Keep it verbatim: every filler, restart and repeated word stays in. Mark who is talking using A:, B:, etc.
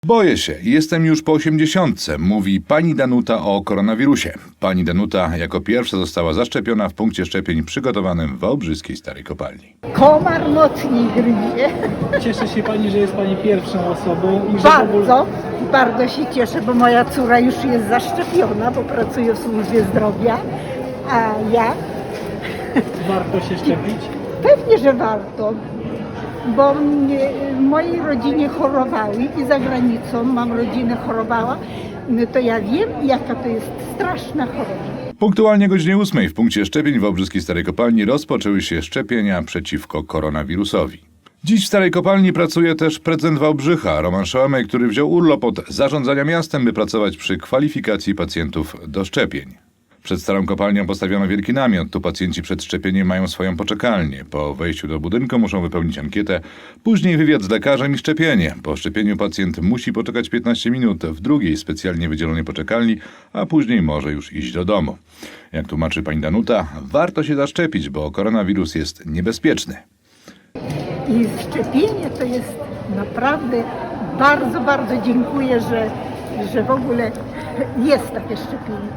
A: Boję się, jestem już po osiemdziesiątce, mówi pani Danuta o koronawirusie. Pani Danuta jako pierwsza została zaszczepiona w punkcie szczepień przygotowanym w Wałbrzyskiej Starej Kopalni.
B: Komar mocniej gryzie.
C: Cieszy się Pani, że jest Pani pierwszą osobą i że w ogóle...
B: Bardzo, bardzo się cieszę, bo moja córa już jest zaszczepiona, bo pracuje w służbie zdrowia, a ja
C: warto się szczepić.
B: pewnie, że warto, bo mnie, w mojej rodzinie chorowały i za granicą mam rodzinę chorowała, no to ja wiem, jaka to jest straszna choroba.
A: Punktualnie o godzinie ósmej w punkcie szczepień w Wałbrzyskiej Starej Kopalni rozpoczęły się szczepienia przeciwko koronawirusowi. Dziś w Starej Kopalni pracuje też prezydent Wałbrzycha, Roman Szołomej, który wziął urlop od zarządzania miastem, by pracować przy kwalifikacji pacjentów do szczepień. Przed Starą Kopalnią postawiono wielki namiot. Tu pacjenci przed szczepieniem mają swoją poczekalnię. Po wejściu do budynku muszą wypełnić ankietę, później wywiad z lekarzem i szczepienie. Po szczepieniu pacjent musi poczekać piętnaście minut w drugiej specjalnie wydzielonej poczekalni, a później może już iść do domu. Jak tłumaczy pani Danuta, warto się zaszczepić, bo koronawirus jest niebezpieczny.
B: I szczepienie to jest naprawdę bardzo, bardzo dziękuję, że, że w ogóle jest takie szczepienie.